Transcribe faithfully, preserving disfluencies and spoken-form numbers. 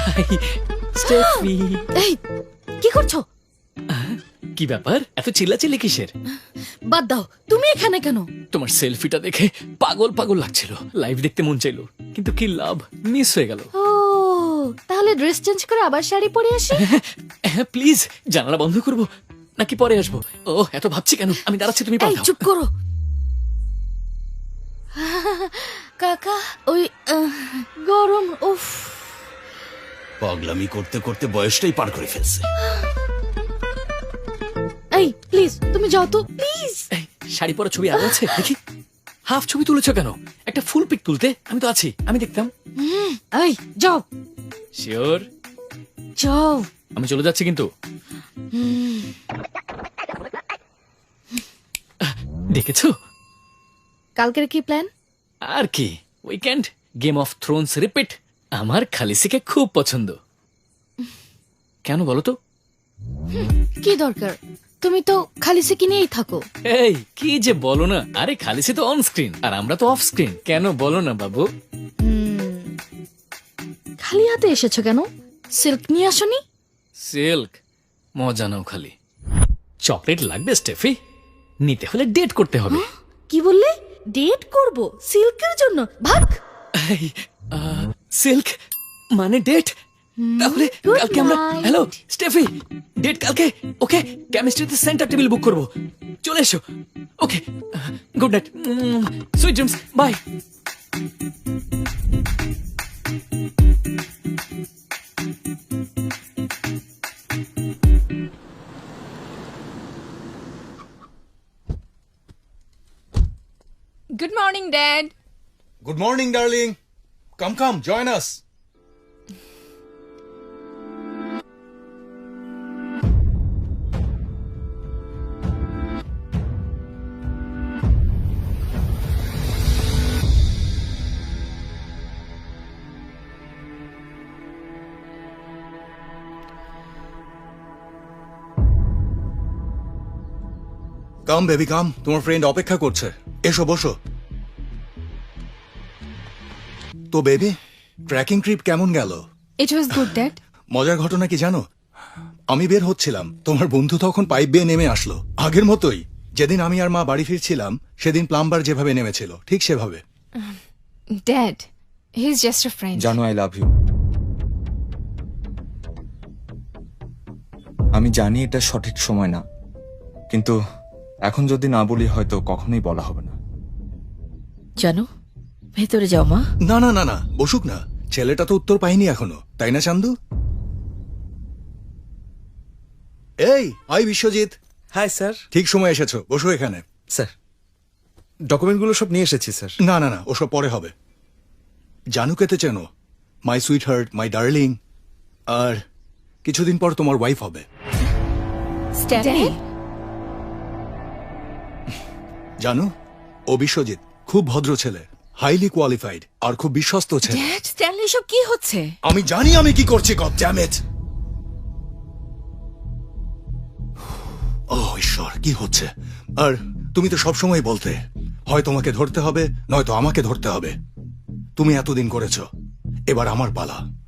High স্টেফি। এই কি করছো? কি ব্যাপার, এত চিল্লাচিল্লি কিসের? বাদ দাও, তুমি এখানে কেন? তোমার সেলফিটা দেখে পাগল পাগল লাগছিল, লাইভ দেখতে মন চাইলো, কিন্তু কি লাভ, মিস হয়ে গেল। ও তাহলে ড্রেস চেঞ্জ করে আবার শাড়ি পরে আসি। হ্যাঁ প্লিজ, জানালা বন্ধ করবো নাকি পরে আসবো? ও এত ভাবছি কেন, আমি দাঁড়াচ্ছি, তুমি এই পাঠাও। চুপ করো। কাকা ওই আহ, গরম উফ। পাগলামি করতে করতে বয়সটাই পার করে ফেলছে। এই প্লিজ তুমি যাও তো প্লিজ। এই, শাড়ি পরা ছবি আরো আছে দেখি। হাফ ছবি তুলেছো কেন? একটা ফুল পিক তুলতে আমি তো আছি, আমি দেখতাম। এই যাও শিওর? যাও। আমি চলে যাচ্ছি কিন্তু। দেখেছো? কালকের কি প্ল্যান? আর কি, weekend, game of thrones repeat. আমার খালিসিকে খুব পছন্দ। কেন বলো তো? কি দরকার, তুমি তো খালিসি কিনেই থাকো। এই কি যে বলো না, আরে খালিসি তো অন স্ক্রিন আর আমরা তো অফ স্ক্রিন, কেন বলো না বাবু? খালি হাতে এসেছো কেন? সিল্ক নিয়ে আসনি? সিল্ক মজা নাও খালি। চকলেট লাগবে স্টেফি? নিতে হলে ডেট করতে হবে। কি বললে? ডেট করব সিল্কের জন্য? ভাগ। এই, আহ, সিল্ক মানে ডেট? তাহলে good কালকে আমরা, night. হ্যালো স্টেফি, ডেট কালকে। ওকে, কেমিস্ট্রিতে সেন্টার টেবিল বুক করব, চলে এসো। Okay, good night, sweet dreams, bye. Good morning, Dad. Good morning, darling. Come, come, join us. Come baby come, তোমার ফ্রেন্ড অপেক্ষা করছে, এসো বসো। তো বেবি, ট্রেকিং ট্রিপ কেমন গেল? It was good, Dad. মজার ঘটনা কি জানো? আমি বের হচ্ছিলাম, তোমার বন্ধু তখন পাইপ বেয়ে নেমে আসলো, আগের মতোই। যেদিন আমি আর মা বাড়ি ফিরছিলাম সেদিন প্লাম্বার যেভাবে নেমেছিল ঠিক সেভাবে। Dad, he's just a friend. জানো আই লাভ ইউ। আমি জানি এটা সঠিক সময় না, কিন্তু এখন যদি না বলি হয়তো কখনোই বলা হবে না। জানো, ভেতরে যাও মা। না না না না, বসুক না, ছেলেটা তো উত্তর পাইনি এখনো, তাই না চান্দু? এই আই বিশ্বজিৎ, হাই স্যার। ঠিক সময় এসেছো, বসো এখানে। স্যার, ডকুমেন্টগুলো সব নিয়ে এসেছি স্যার। না না না, ওসব পরে হবে। জানুকেতে চেনো? My sweetheart, my darling. আর কিছুদিন পর তোমার ওয়াইফ হবে। Stephanie? জানো, ও বিশ্বজিৎ খুব ভদ্র ছেলে, হাইলি কোয়ালিফাইড আর খুব বিশ্বস্ত ছেলে। Dad, Stanley, সব কি হচ্ছে? আমি জানি আমি কি করছি, গড ড্যাম ইট। ও ঈশ্বর, কি হচ্ছে? আর তুমি তো সবসময় বলতে, হয় তোমাকে ধরতে হবে নয়তো আমাকে ধরতে হবে। তুমি এতদিন করেছো, এবার আমার পালা।